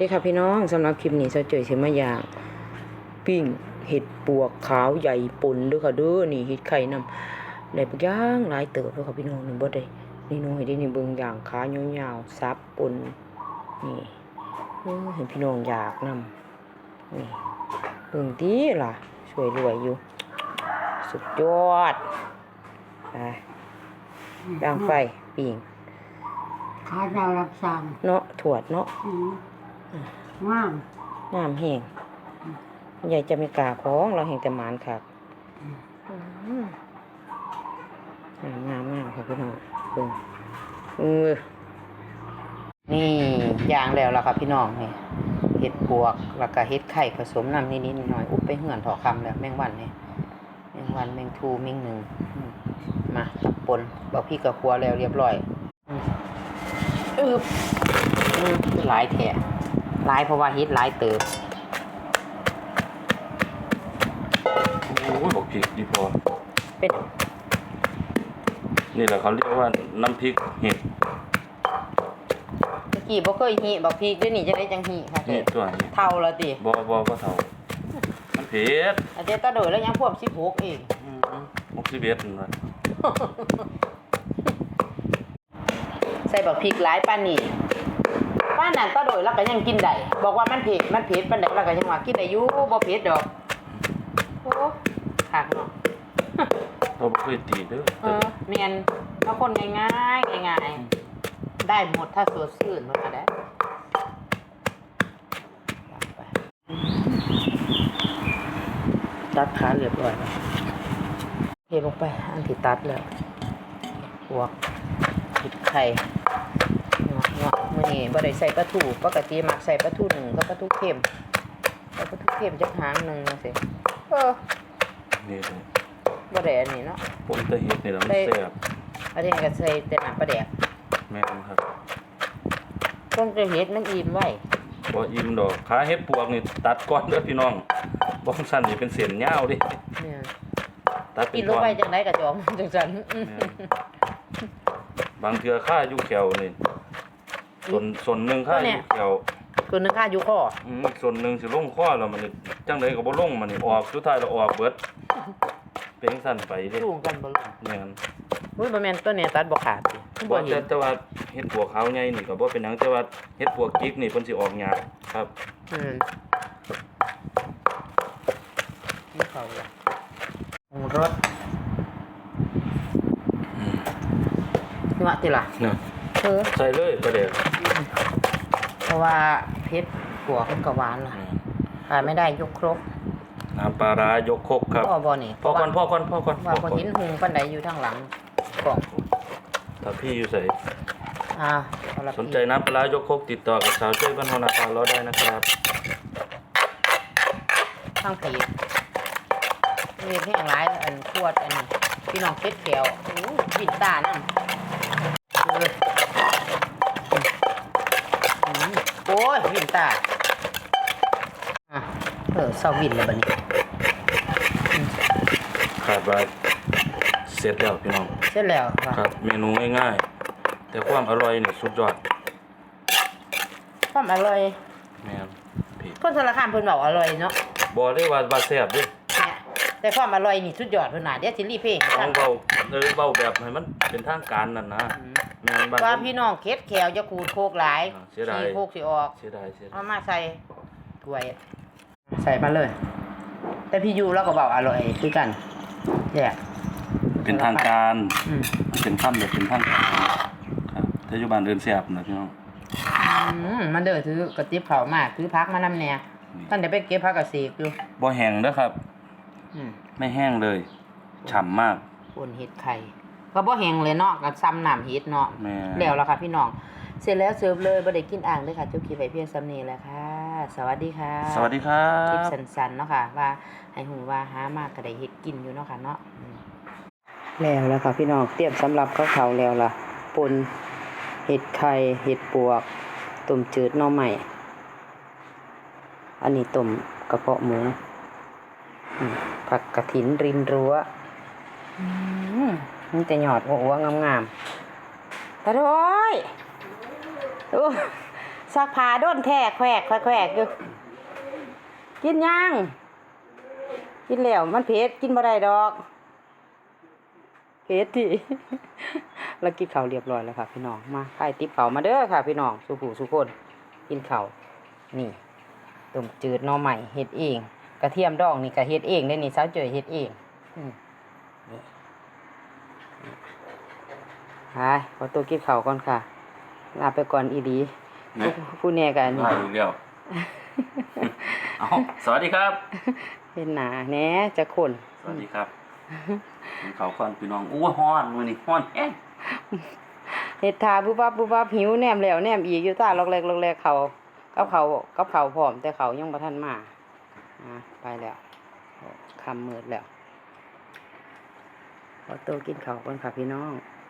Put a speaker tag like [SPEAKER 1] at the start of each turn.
[SPEAKER 1] นี่ค่ะพี่น้องสำหรับคลิปนี้เจ้าเจยสิมาอย่างปิ้งเห็ดปวกขาวใหญ่ป่นด้วยค่ะเด้อนี่เห็ดไข่นำได้บักอย่างหลายเติบด้วยค่ะพี่น้องนี่บ่ได้นี่น้อยได้นี่เบิ่งอย่างขายาวๆซับป่นนี่เห็นพี่น้องอยากนำนี่เบิ่งติล่ะสวยรวยอยู่สุดยอดไปย่างไฟปิ้ง
[SPEAKER 2] ขาดาวรับสั่ง
[SPEAKER 1] เนาะถวดเนาะ
[SPEAKER 2] งาม
[SPEAKER 1] น้ำแห้งใหญ่จะไม่กล้าของเราเห็นแต่หมานค่ะงามค่ะพี่น้องนี่ย่างแล้วล่ะครับพี่น้องนี่เห็ดปวกแล้วก็เห็ดไข่ผสมน้ำนิดหน่อยอุบไปเหื่อนถอคำแล้วแมงวันนี่แมงวันแมงทูแมงหนึ่งมาตับปนบอกพี่กับครัวแล้วเรียบร้อยหลายแถะหลายเพราะว่าเฮ็ดหลายเติบ
[SPEAKER 3] โอ้ยบอกพริกดีพอ
[SPEAKER 1] เป็น
[SPEAKER 3] นี่แหละเขาเรียกว่าน้ำพริกเห็ด
[SPEAKER 1] เมื่อกี้บ่เคยหิบอกพริกด้วยนี่จะได้จังหิค่ะ
[SPEAKER 3] เห็ดตัวนี้
[SPEAKER 1] เท่าละติ
[SPEAKER 3] บ่เท่ามันเผ็ด
[SPEAKER 1] อาจจะตะโดยแล้วยังพวก16เอง
[SPEAKER 3] 61นั่นว่า
[SPEAKER 1] ใส่บักพริกหลายปานนี้ป้านนั้นตะโดยแล้วก็ยังกินได้บอกว่ามันเผ็ดปานใดแล้วก็ยังว่ากินได้อยู่บ่เผ็ดดอกโอ้คักเนาะ
[SPEAKER 3] เราบ่เคยตีเด้อ
[SPEAKER 1] แม่นบางคนง่ายได้หมดถ้าสดชื่นว่าได้ตัดขาเรียบร้อยแล้วเทลงไปอันที่ตัดแล้วหัวผิดไข่เนาะมื้อนี้บ่ได้ใส่ปลาทูปกติมักใส่ปลาทูหนึ่งกับปลาทูเค็มแล้วปลาทูเค็มจักหางนึงจังซี่
[SPEAKER 3] นี่เลย
[SPEAKER 1] บ่ได้อันนี้เนาะ
[SPEAKER 3] ผมจะเห็ดนี่แล้วมันแซ่บ
[SPEAKER 1] อันนี้ก็ใส่แต่น้ำปลาแดก
[SPEAKER 3] แม่นครับ
[SPEAKER 1] ต้องจะเห็ดมันอิ่มไว้
[SPEAKER 3] บ่อิ่มดอกขาเห็ดปวกนี่ตัดก่อนเด้อพี่น้องบ่ซั่นนี่เป็นเส้นยาวดิ
[SPEAKER 1] เนี่ย
[SPEAKER 3] ตัดเป็น
[SPEAKER 1] กินลงไปจังได๋ก็จอมจังซั่น
[SPEAKER 3] บางเทื่อค่าอยู่แขวนี่ส่วนนึงค่าอยู่แขว
[SPEAKER 1] ส่วนนึงค่าอยู่คอ
[SPEAKER 3] ส่วนนึงสิลงคอแล้วมันจังได๋ก็บ่ลงมันนี่ออกสุดท้ายแล้วออกเบิดเป็นสั่นไปเด้
[SPEAKER 1] สูงกันบ่ล่ะ
[SPEAKER 3] แม่น
[SPEAKER 1] อุ้ยบ่แม่นตัวนี้ตัดบ่ขาดติ
[SPEAKER 3] บ่เห็นแต่ว่าเฮ็ดปวกขาวใหญ่นี่ก็บ่เป็นหยังแต่ว่าเฮ็ดปวกจิกนี่เพิ่นสิออกยากครับ
[SPEAKER 1] นี่เขาล่ะรสนี่ว่าติล่ะ
[SPEAKER 3] เนี่ยใส่เลยประเดี๋ยว
[SPEAKER 1] เพราะว่าเผ็ดปวกมันก็หวานล่ะขาดไม่ได้ยกครก
[SPEAKER 3] น้ำปลาร้ายกครกครับ
[SPEAKER 1] บ่นี่
[SPEAKER 3] พ่อก่อน
[SPEAKER 1] ว่าบ่เห็นหุงปานใดอยู่ทางหลังกล่อง
[SPEAKER 3] ถ้าพี่อยู่ไสสนใจน้ำปลาร้ายกครกติดต่อกับสาวช่วยบ้านหัวนาคาเราได้นะครับ
[SPEAKER 1] ทางเพจมีแห้งหลายอันขวดอันพี่น้องเผ็ดแก้วบินตานั่นโอ้ยบินตาเศร้าวินเลยบัดนี้
[SPEAKER 3] ขาดว่าเสร็จแล้วพี่น้อง
[SPEAKER 1] เสร็จแล้ว
[SPEAKER 3] ครับเมนูง่ายๆแต่ความอร่อยนี่สุดยอด
[SPEAKER 1] ความอร่อย
[SPEAKER 3] แม่น
[SPEAKER 1] คนสารคามเพิ่นบอกอร่อยเนาะ
[SPEAKER 3] บ่ได้ว่าแซ่บดิ
[SPEAKER 1] แต่ความอร่อยนี่สุดยอดเพิ่นน่ะเดี๋ยวสิรีเพลง
[SPEAKER 3] เว้าแบบให้มันเป็นทางการนั่นนะ
[SPEAKER 1] แม่นบ้านว่าพี่น้องเค็ดแขวจะขูดโคกหลายสิโคกสิออก
[SPEAKER 3] เสียดาย
[SPEAKER 1] เอามาใส่ถ้วยใส่มาเลยแต่พี่ยูแล้วก็บอกอร่อยคือกันแยก
[SPEAKER 3] เป็นทางการเป็นค่ำแบบเป็นทางการครับถ้าอยู่บ้านเดินแซ่บนะพี่น้อง
[SPEAKER 1] มันเด้อถือกระติบเขามากถือพักมานำแน่ท่านเดี๋ยวไปเก็บผักกระเสกอยู่
[SPEAKER 3] บ่แห้งเด้อครับไม่แห้งเลยฉ่ำมาก
[SPEAKER 1] ป่นเห็ดไข่ก็บ่แห้งเลยเนาะกับซ้ำน้ำเห็ดเนาะแล้วล่ะค่ะพี่น้องเสร็จแล้วเสิร์ฟเลยบ่ได้กินอ่างเลยค่ะจบคลิปไว้เพียงซ้ำนี้แหละค่ะสวัสดีค่ะ
[SPEAKER 3] สวัสดีครับ
[SPEAKER 1] คลิปสั้นๆเนาะค่ะว่าให้ฮู้ว่าหามากก็ได้เฮ็ดกินอยู่เนาะค่ะเนาะแล้วค่ะพี่น้องเตรียมสำหรับข้าวเขาแล้วล่ะป่นเห็ดไข่เห็ดปวกต้มจืดหน่อไม้อันนี้ต้มกระเพาะหมูผักกระถินริมรั้วนี่แต่หยอดหัวงามๆตาโดยซักผ้าโดนแท้แขวกอยู่กินยังกินแล้วมันเผ็ดกินบ่ได้ดอกเผ็ดที่ แล้วกินข้าวเรียบร้อยแล้วค่ะพี่น้องมาใครติ๊บข้าวมาเด้อค่ะพี่น้องสุผู้สุคนกินข้าวนี่ต้มจืดหน่อใหม่เฮ็ดเองกระเทียมดองนี่ก็เฮ็ดเองได้นี่สาวเจยเฮ็ดเองนี่ไปขอตัวกินข้าวก่อนค่ะลาไปก่อนอีหลีผู้แน่กันนี่
[SPEAKER 3] มาอีกแล้ว เอาสวัสดีครับ
[SPEAKER 1] เห็นหนาแหน่จะคน
[SPEAKER 3] สวัสดีครับกินข้าวก่อนพี่น้องอู้ฮ้อนมื้อนี้ฮ้อนแฮง
[SPEAKER 1] เฮ็ดทาปุ๊บปั๊บหิวแนมแล้วแนมอีกอยู่ตาลอกแรกเขากับเขาพร้อมแต่เขายังบ่ทันมาไปแล้วค่ำมืดแล้วขอตัวกินข้าวก่อนค่ะพี่น้อง